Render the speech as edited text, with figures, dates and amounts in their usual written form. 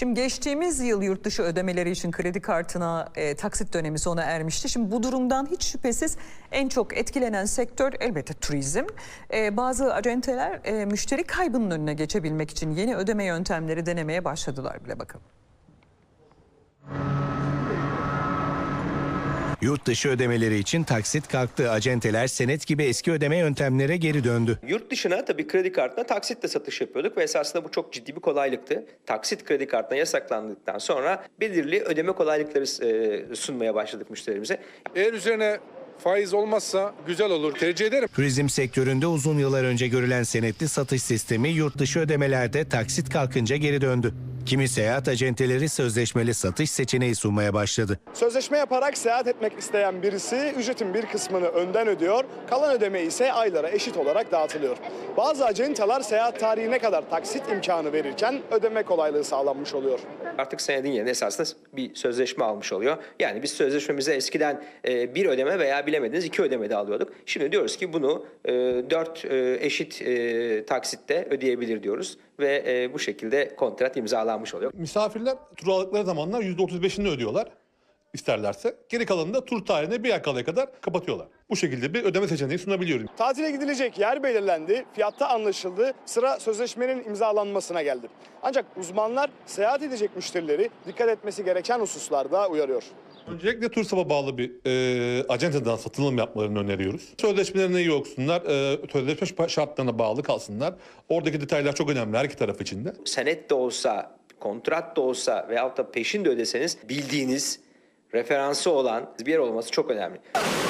Şimdi geçtiğimiz yıl yurt dışı ödemeleri için kredi kartına taksit dönemi sona ermişti. Şimdi bu durumdan hiç şüphesiz en çok etkilenen sektör elbette turizm. Bazı acenteler müşteri kaybının önüne geçebilmek için yeni ödeme yöntemleri denemeye başladılar bile, bakalım. Yurt dışı ödemeleri için taksit kalktı. Acenteler senet gibi eski ödeme yöntemlere geri döndü. Yurt dışına tabii kredi kartına taksitle satış yapıyorduk ve esasında bu çok ciddi bir kolaylıktı. Taksit kredi kartına yasaklandıktan sonra belirli ödeme kolaylıkları sunmaya başladık müşterimize. Eğer üzerine faiz olmazsa güzel olur, tercih ederim. Turizm sektöründe uzun yıllar önce görülen senetli satış sistemi yurt dışı ödemelerde taksit kalkınca geri döndü. Kimi seyahat acenteleri sözleşmeli satış seçeneği sunmaya başladı. Sözleşme yaparak seyahat etmek isteyen birisi ücretin bir kısmını önden ödüyor, kalan ödeme ise aylara eşit olarak dağıtılıyor. Bazı acenteler seyahat tarihine kadar taksit imkanı verirken ödeme kolaylığı sağlanmış oluyor. Artık senedin yerine esasında bir sözleşme almış oluyor. Yani biz sözleşmemize eskiden bir ödeme veya bilemediniz 2 ödeme de alıyorduk. Şimdi diyoruz ki bunu 4 eşit taksitte ödeyebilir diyoruz ve bu şekilde kontrat imzalanmış oluyor. Misafirler tur aldıkları zamanlar %35'ini ödüyorlar isterlerse. Geri kalanını da tur tarihine bir ay kalaya kadar kapatıyorlar. Bu şekilde bir ödeme seçeneği sunabiliyorum. Tatile gidilecek yer belirlendi, fiyatta anlaşıldı, sıra sözleşmenin imzalanmasına geldi. Ancak uzmanlar seyahat edecek müşterileri dikkat etmesi gereken hususlarda uyarıyor. Öncelikle TURSAP'a bağlı bir acenteden satılım yapmalarını öneriyoruz. Sözleşmelerine iyi okusunlar, sözleşme şartlarına bağlı kalsınlar. Oradaki detaylar çok önemli her iki taraf için de. Senet de olsa, kontrat da olsa veyahut da peşin de ödeseniz bildiğiniz, referansı olan bir yer olması çok önemli.